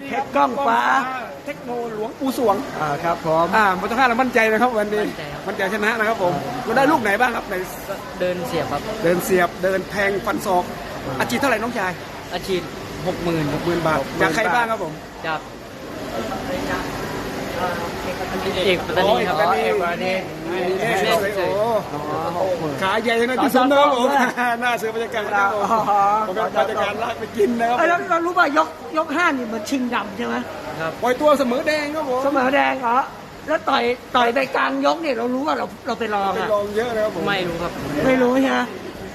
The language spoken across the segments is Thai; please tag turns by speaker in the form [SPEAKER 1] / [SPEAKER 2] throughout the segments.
[SPEAKER 1] เพชรกล้องฟ้า
[SPEAKER 2] เทคโนหลวงปู่สวง
[SPEAKER 1] ครับผม
[SPEAKER 2] มันต้องห้าเรามั่นใจนะครับวันนี้มั่นใจชนะนะครับผมเราได้ลูกไหนบ้างครับใน
[SPEAKER 3] เดินเสียบครับ
[SPEAKER 2] เดินเสียบเดินแทงฟันศอกอาชีพเท่าไหร่น้องชาย
[SPEAKER 3] อาชีพ60,000
[SPEAKER 2] บาทจากใครบ้างครับผม
[SPEAKER 3] จากเอกปัตตานีครับ
[SPEAKER 1] เอกวันนี้
[SPEAKER 2] โอ้ขาใหญ่นะที่สุดนะครับผมหน้าเสือบรรยากาศนะครับผมเป็นบรรยากาศลากไปกินนะครับ
[SPEAKER 1] แล้วเรารู้ป่ะยกห้านี่เหมือนชิงดำใช่ไหม
[SPEAKER 3] ครับ
[SPEAKER 2] ปล่อยตัวเสมอแดงครับผม
[SPEAKER 1] เสมอแดงเหรอแล้วต่อยไปกลางยกเนี่ยเรารู้ว่าเราไปรอง
[SPEAKER 2] ไป
[SPEAKER 1] อะ
[SPEAKER 2] ลองเยอะนะครับผม
[SPEAKER 3] ไม่รู้ครับ
[SPEAKER 1] ไม่รู้ใช่ไหม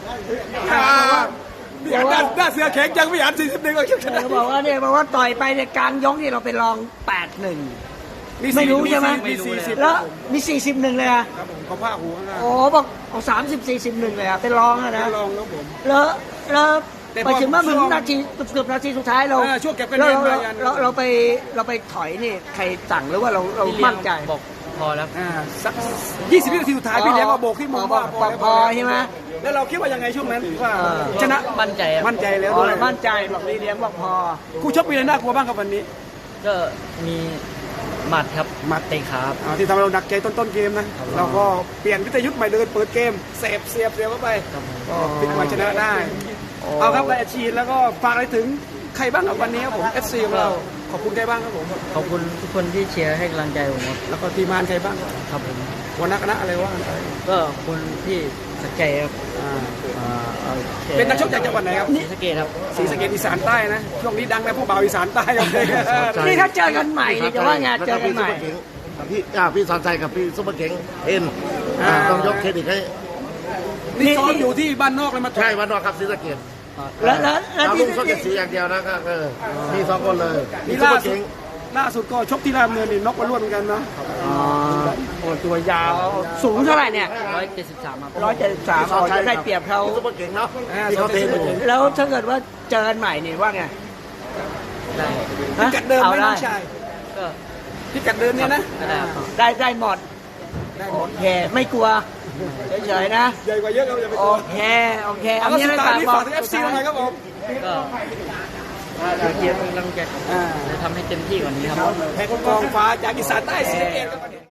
[SPEAKER 2] พี่อันหน้าเสือแข็งยังพี่อัน41ก็ชนะ
[SPEAKER 1] เขาบอกว่าต่อยไปในกลางยกนี่เราไปรอง8-1ไม่รู้ใช่ไหม
[SPEAKER 2] มี40
[SPEAKER 1] แล้วมี41เลยอะ
[SPEAKER 2] ครับผมเขาผ้าหัวข้างหน้า
[SPEAKER 1] โอ้บอกเอา30-41เลยอะเป็นรองอะนะ
[SPEAKER 2] ลองครับผม
[SPEAKER 1] แล้วไปถึงเมื่อถึงนาทีเกือบนาทีสุดท้ายเรา
[SPEAKER 2] ช่วงเก็บคะแนนมายัน
[SPEAKER 1] เราไปถอยนี่ใครสั่งหรือว่าเรามั่นใจ
[SPEAKER 3] บอกพอแล้ว
[SPEAKER 2] สัก20 วินาทีสุดท้ายพี่เลี้ยงก็โบกที่มือว่า
[SPEAKER 1] พอใช่ไหม
[SPEAKER 2] แล้วเราคิดว่ายังไงช่วงนั้นว่าชนะ
[SPEAKER 3] มั่นใจครับ
[SPEAKER 2] มั่นใจแล้ว
[SPEAKER 1] อ๋อ
[SPEAKER 2] ด้วย
[SPEAKER 1] เรามั่นใจบอกพี่เลี้ยงบอกพอ
[SPEAKER 2] คู่ชกมีอะไรน่ากลัวบ้างครับวันนี้
[SPEAKER 3] ก็มีหมัดครับหมัดเตะขาครับ
[SPEAKER 2] ที่ทำให้เราหนักใจต้นเกมนะเราก็เปลี่ยนวิทยุทธ์ใหม่เดินเปิดเกมเสียบเข้าไปก็พลิกมาชนะได้เอาครับได้อาชีพแล้วก็ฝากอะไรถึงใครบ้างครับวันนี้ครับผม FC ของเราขอบคุณใครบ้างครับผม
[SPEAKER 3] ขอบคุณทุกคนที่เชียร์ให้กำลังใจผมครับ
[SPEAKER 2] แล้วก็ทีมงานใครบ้าง
[SPEAKER 3] ครับผม
[SPEAKER 2] หัวหน้าคณะอะไรว่ากันไป
[SPEAKER 3] ก็ขอบคุณที่สนใจครับ
[SPEAKER 2] เป็นนักชกจากจังหวัดไหนครับ
[SPEAKER 3] ศรีสะเกษครับ
[SPEAKER 2] ศรีสะเกษอีสานใต้นะช่วงนี้ดังนะพวกบ่าวอีสานใต้ครับ
[SPEAKER 1] นี่ถ้าเจอกันใหม่นี่จะว่าไงเจอกันใหม่
[SPEAKER 4] พี่สอนใจกับพี่ซุปเปอร์เก๋งเอ็นต้องยกเครดิตให้
[SPEAKER 2] นี่ซ้อมอยู่ที่บ้านนอกเลยมา
[SPEAKER 4] ใช่วันนอกครับศรีสะเกษ
[SPEAKER 1] แล้ว
[SPEAKER 4] เอา
[SPEAKER 1] ที่
[SPEAKER 4] ลุงส้มเจ็ดสีอย่างเดียวนะก็มีสองคนเลยมี
[SPEAKER 2] นี่
[SPEAKER 4] ซุปเปอร์เก๋ง
[SPEAKER 2] ล่าสุดก็ชกที่รามเนินนี่น็อกมาล้วนเหมือนกันเนาะ
[SPEAKER 1] โอ้ตัวยาวสูงเท่าไหร่เนี่ย
[SPEAKER 3] 173ครับ
[SPEAKER 1] 173อ๋อจะได้เปรียบเขา
[SPEAKER 4] ซุปเปอร์เก๋งเนาะที่เขาเทนอยู่
[SPEAKER 1] แล้วถ้าเกิดว่าเจอกันใหม่นี่ว่าไง
[SPEAKER 3] ได้
[SPEAKER 2] พิกัดเดิมไหมน้องชาย
[SPEAKER 3] ก็
[SPEAKER 2] พิกัดเดิมเนี่ยนะ
[SPEAKER 3] ก็ได้ครับ
[SPEAKER 1] ได้หมด
[SPEAKER 2] ได้หมด
[SPEAKER 1] โอเคไม่กลัวเฉยๆนะ
[SPEAKER 2] ใหญ่กว่าเยอะครับอย่าไป
[SPEAKER 1] โอก
[SPEAKER 2] ลัว
[SPEAKER 1] เค
[SPEAKER 2] เอา
[SPEAKER 1] อัน
[SPEAKER 2] ละ
[SPEAKER 1] นี้
[SPEAKER 2] สุด
[SPEAKER 1] นะค
[SPEAKER 2] ท้าย
[SPEAKER 1] รับ
[SPEAKER 2] นี้ฝากถึง FC หน่อยครับผม
[SPEAKER 3] ก็เชียร์เป็นกำลังใจจะทำให้เต็มที่กว่านี้ครับ
[SPEAKER 2] แพ้กองฟ้าจากอีสานใต้ศรีสะเกษครับ